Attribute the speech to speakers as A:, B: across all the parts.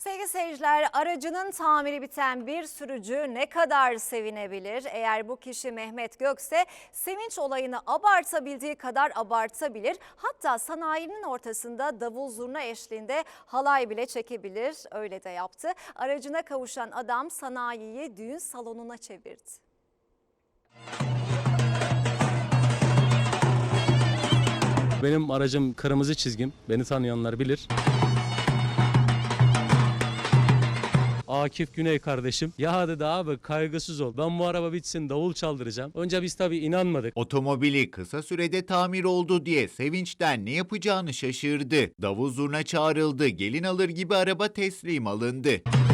A: Sevgili seyirciler, aracının tamiri biten bir sürücü ne kadar sevinebilir? Eğer bu kişi Mehmet Gökse sevinç olayını abartabildiği kadar abartabilir. Hatta sanayinin ortasında davul zurna eşliğinde halay bile çekebilir. Öyle de yaptı. Aracına kavuşan adam sanayiyi düğün salonuna çevirdi.
B: Benim aracım kırmızı çizgim. Beni tanıyanlar bilir. Akif Güney kardeşim. Ya dedi abi kaygısız ol. Ben bu araba bitsin davul çaldıracağım. Önce biz tabii inanmadık.
C: Otomobili kısa sürede tamir oldu diye sevinçten ne yapacağını şaşırdı. Davul zurna çağrıldı, gelin alır gibi araba teslim alındı.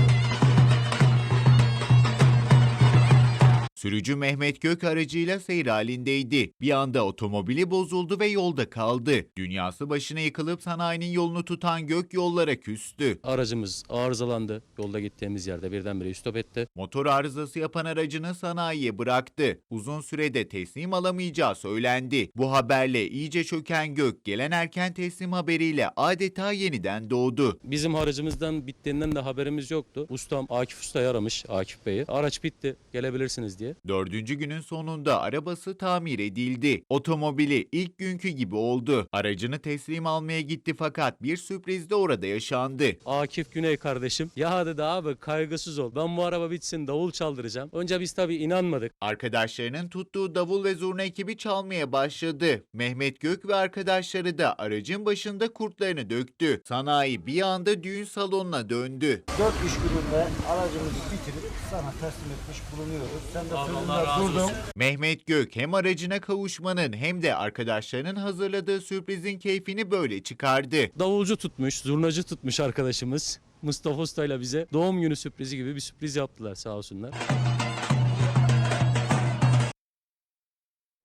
C: Sürücü Mehmet Gök aracıyla seyir halindeydi. Bir anda otomobili bozuldu ve yolda kaldı. Dünyası başına yıkılıp sanayinin yolunu tutan Gök yollara küstü.
B: Aracımız arızalandı. Yolda gittiğimiz yerde birdenbire stop etti.
C: Motor arızası yapan aracını sanayiye bıraktı. Uzun sürede teslim alamayacağı söylendi. Bu haberle iyice çöken Gök gelen erken teslim haberiyle adeta yeniden doğdu.
B: Bizim aracımızdan bittiğinden de haberimiz yoktu. Ustam Akif Usta'yı aramış, Akif Bey'i. Araç bitti, gelebilirsiniz diye.
C: 4. günün sonunda arabası tamir edildi. Otomobili ilk günkü gibi oldu. Aracını teslim almaya gitti fakat bir sürpriz de orada yaşandı.
B: Akif Güney kardeşim. Ya dedi abi kaygısız ol. Ben bu araba bitsin davul çaldıracağım. Önce biz tabii inanmadık.
C: Arkadaşlarının tuttuğu davul ve zurna ekibi çalmaya başladı. Mehmet Gök ve arkadaşları da aracın başında kurtlarını döktü. Sanayi bir anda düğün salonuna döndü.
D: 4 iş gününde aracımızı bitirip sana teslim etmiş bulunuyoruz. Sen de sözünde durdun.
C: Mehmet Gök hem aracına kavuşmanın hem de arkadaşlarının hazırladığı sürprizin keyfini böyle çıkardı.
B: Davulcu tutmuş, zurnacı tutmuş arkadaşımız. Mustafa Usta ile bize doğum günü sürprizi gibi bir sürpriz yaptılar sağ olsunlar.